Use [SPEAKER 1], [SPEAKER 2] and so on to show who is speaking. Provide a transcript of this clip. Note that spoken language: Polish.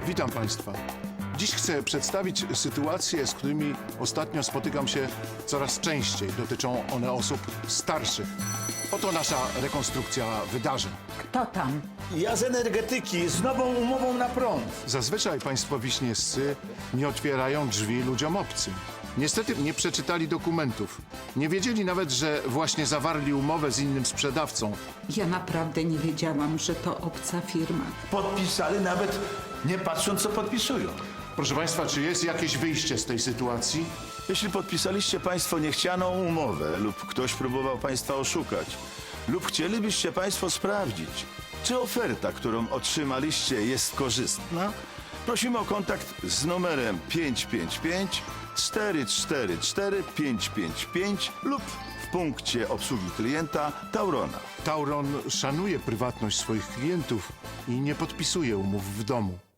[SPEAKER 1] Witam Państwa. Dziś chcę przedstawić sytuacje, z którymi ostatnio spotykam się coraz częściej. Dotyczą one osób starszych. Oto nasza rekonstrukcja wydarzeń.
[SPEAKER 2] Kto tam?
[SPEAKER 3] Ja z energetyki, z nową umową na prąd.
[SPEAKER 1] Zazwyczaj państwo wiśniewscy nie otwierają drzwi ludziom obcym. Niestety nie przeczytali dokumentów. Nie wiedzieli nawet, że właśnie zawarli umowę z innym sprzedawcą.
[SPEAKER 2] Ja naprawdę nie wiedziałam, że to obca firma.
[SPEAKER 3] Podpisali nawet nie patrząc, co podpisują.
[SPEAKER 1] Proszę Państwa, czy jest jakieś wyjście z tej sytuacji?
[SPEAKER 3] Jeśli podpisaliście Państwo niechcianą umowę lub ktoś próbował Państwa oszukać, lub chcielibyście Państwo sprawdzić, czy oferta, którą otrzymaliście, jest korzystna, prosimy o kontakt z numerem 555 444 555 lub w punkcie obsługi klienta Taurona.
[SPEAKER 1] Tauron szanuje prywatność swoich klientów i nie podpisuje umów w domu.